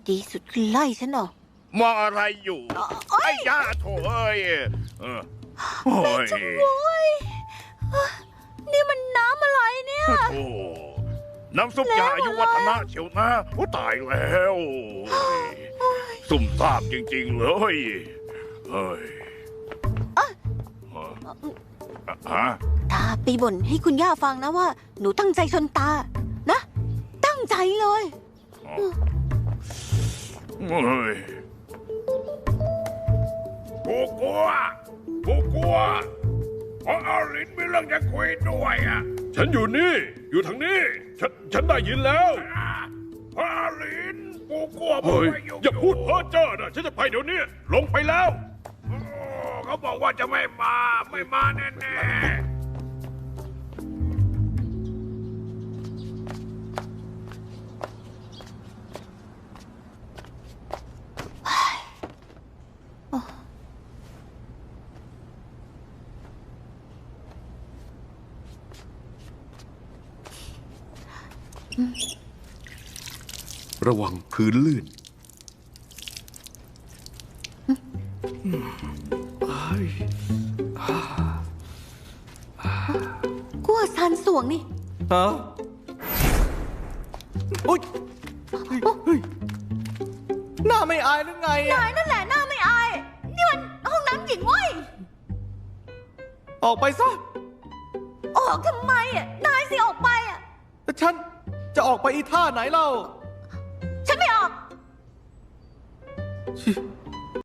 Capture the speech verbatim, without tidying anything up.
ดีสุดคือไล่ฉันเหรอมองอะไรอยู่ไอ้ย่าโถเอ้ยเออโอ้ยโอ้ยนี่มันน้ำอะไรเนี่ยโอ้น้ำซุปยาอายุวัฒนะเชียวนะโอ้ตายแล้วสุ่มซ่ามจริงๆเลยเฮ้ยฮะตาไปบ่นให้คุณย่าฟังนะว่าหนูตั้งใจชนตานะตั้งใจเลยเฮ้ยกูกลัวกูกลัวเพราะอาลินมีเรื่องจะคุยด้วยอ่ะฉันอยู่นี่อยู่ทางนี้ฉันฉันได้ยินแล้วอาลินกูกลัวเฮ้ยอย่าพูดเพ้อเจ้อนะฉันจะไปเดี๋ยวนี้ลงไปแล้วเขาบอกว่าจะไม่มาไม่มาแน่แน่ระวังพื้นลื่นกลัวซานสวงนี่ฮะโอ๊ยเฮ้ยหน้าไม่อายหรือไงนายนั่นแหละหน้าไม่อายนี่มันห้องน้ำหญิงเว้ยออกไปซะออกทำไมอ่ะนายสิออกไปอ่ะฉันจะออกไปอีท่าไหนเล่าฉันไม่ออก